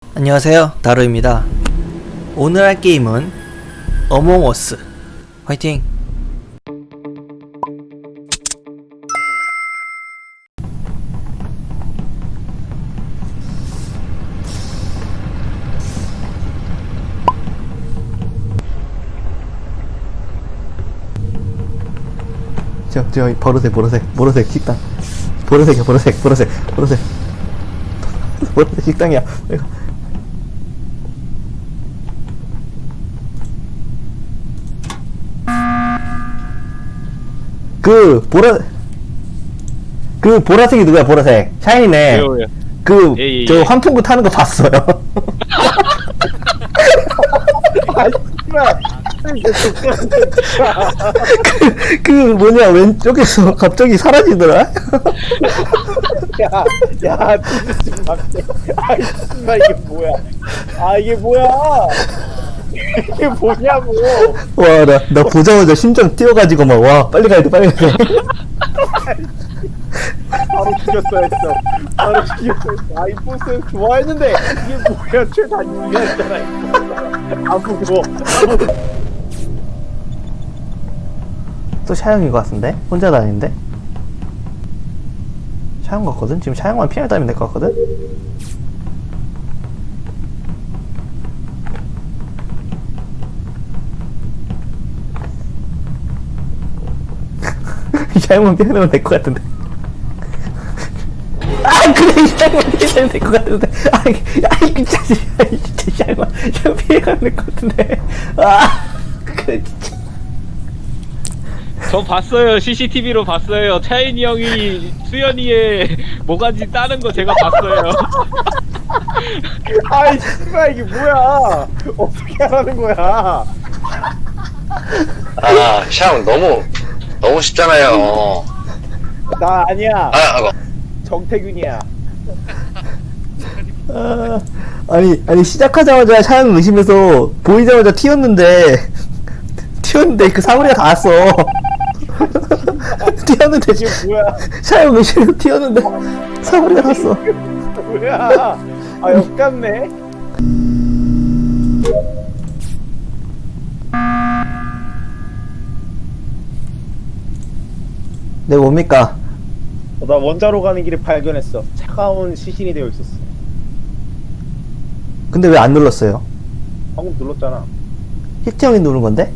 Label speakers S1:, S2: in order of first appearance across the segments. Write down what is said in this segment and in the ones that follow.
S1: 안녕하세요, 다루입니다. 오늘 할 게임은 어몽어스. 화이팅! 저 보라색 식당. 보라색 식당이야. 그 보라색이 누구야? 보라색 샤이니네.
S2: 왜요? 예.
S1: 저 환풍구 타는 거 봤어요. 뭐냐, 왼쪽에서 갑자기 사라지더라.
S3: 야, 진짜 막대. 아이, 씨발, 이게 뭐야? 아, 이게 뭐야? 이게 뭐냐고.
S1: 와, 나 보자마자 심장 뛰어가지고 막, 와, 빨리 가야 돼.
S3: 바로 죽였어 했어. 바로 죽였어 했어. 아, 이 보스 좋아했는데, 이게 뭐야? 최단위였잖아. 아프고.
S1: 또 샤영인 것 같은데? 혼자 다니는데? 샤영 같거든? 지금 샤영만 피해 다니면 될 것 같거든? 샤영만 피해 다니면 될 것 같은데? 아, 그래, 샤영만 피해 다니면 될 것 같은데? 진짜 샤영만 피해 가면 될 것 같은데? 그래, 진짜.
S2: 저 봤어요. CCTV로 봤어요. 차인이 형이 수연이의 모가지 따는 거 제가 봤어요.
S3: 아이, 씨발, 이게 뭐야? 어떻게 하라는 거야?
S4: 아, 샤움 너무 쉽잖아요.
S3: 나 아니야.
S4: 아,
S3: 정태균이야.
S1: 아니 시작하자마자 샤영 의심해서 보이자마자 튀었는데 그 사거리가 다 왔어. 튀었는데
S3: 이게 뭐야?
S1: 샤영 의심해서 튀었는데 사거리가 다 왔어.
S3: 뭐야? 아, 역같네.
S1: 네, 뭡니까?
S3: 나 원자로 가는 길에 발견했어. 차가운 시신이 되어 있었어.
S1: 근데 왜 안 눌렀어요?
S3: 방금 눌렀잖아.
S1: 히트 형이 누른 건데?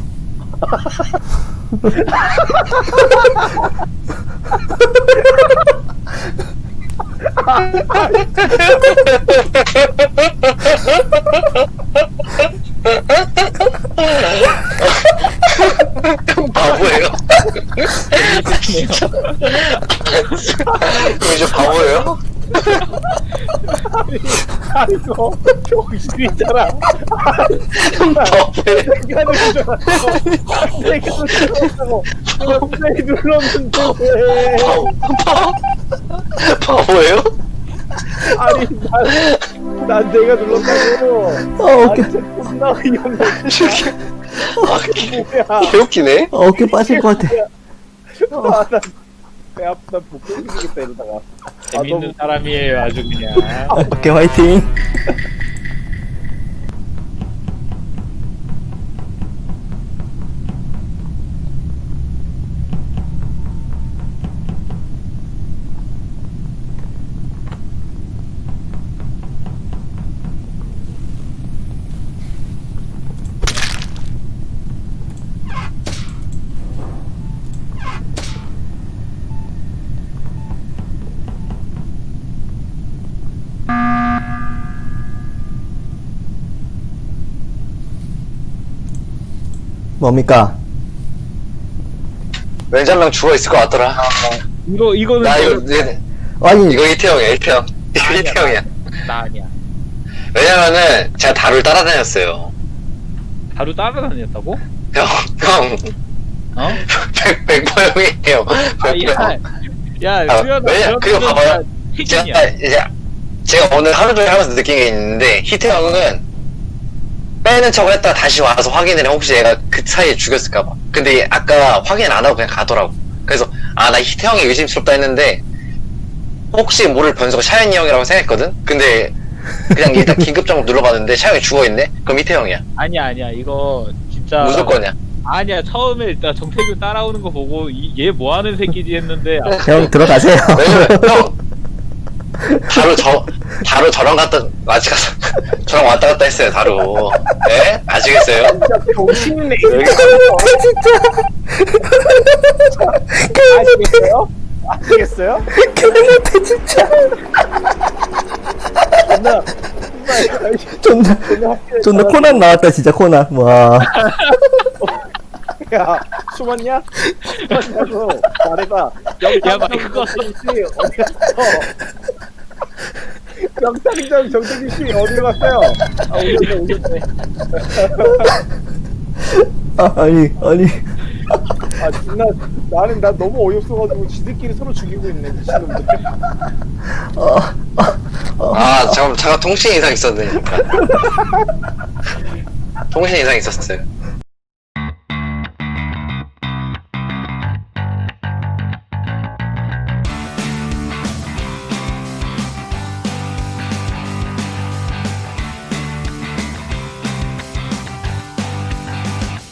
S4: 바보예요? 이거 바보예요?
S3: 아이고, 병신이잖아.
S4: 바보예요?
S3: 내가 눌렀어. 내가 눌렀어. 갑자기 눌렀는데 왜?
S4: 바보예요?
S3: 아니, 난 내가 눌렀다고.
S1: 웃겨.
S3: 아니, 진짜 존나 어이없네. 뭐야?
S4: 개웃기네?
S1: 어깨 빠질 것 같아.
S3: 아, 배 아프다. 못 끊기겠다 이러다가.
S2: 재밌는 사람이에요, 아주 그냥.
S1: 오케이, 화이팅. 뭡니까?
S4: 왠지 한 명 죽어있을 것 같더라.
S2: 이거는
S4: 나 이거
S1: 아니,
S4: 히트형이야, 히트형. 이거 히트형이야.
S2: 나 아니야.
S4: 왜냐면은 제가 다루를 따라다녔어요.
S2: 하루 따라다녔다고?
S4: 형
S2: 어?
S4: 100% 형이에요.
S2: 야,
S4: 아,
S2: 수연아,
S4: 왜냐, 그거 봐봐요.
S2: 희진이야.
S4: 제가 오늘 하루 종일 하면서 느낀 게 있는데, 히트형은 빼는 척을 했다가 다시 와서 확인을 해. 혹시 얘가 그 사이에 죽였을까봐. 근데 아까 확인 안 하고 그냥 가더라고. 그래서, 나 히트형이 의심스럽다 했는데, 혹시 모를 변수가 샤이니 형이라고 생각했거든? 근데 그냥 일단 긴급 작업 눌러봤는데 차영이 죽어있네? 그럼 이태형이야.
S2: 아니야 이거 진짜
S4: 무조건이야.
S2: 아니야 처음에 일단 정태균 따라오는 거 보고 얘 뭐하는 새끼지 했는데
S1: 형 들어가세요.
S4: 왜냐면 형 다루 저랑 저랑 왔다 갔다 했어요 다루. 예? 아시겠어요?
S3: 진짜 병신이네.
S1: 진짜.
S3: 아시겠어요? 아시겠어요?
S1: 개못해 진짜.
S3: 존나
S1: 존나 코난 나왔다 진짜 코난. 와.
S3: 야 숨었냐? 숨었냐고 말해봐.
S2: 야, 마이크 껐어.
S3: 정태균 씨 어디 갔어? 영상장 정태균 씨 어디 갔어요? 아 오셨네.
S1: 아니.
S3: 아 존나 나 너무 어이없어가지고 지들끼리 서로 죽이고 있네 미친놈들.
S4: 아 잠깐 통신 이상 있었네. 통신 이상 있었어요.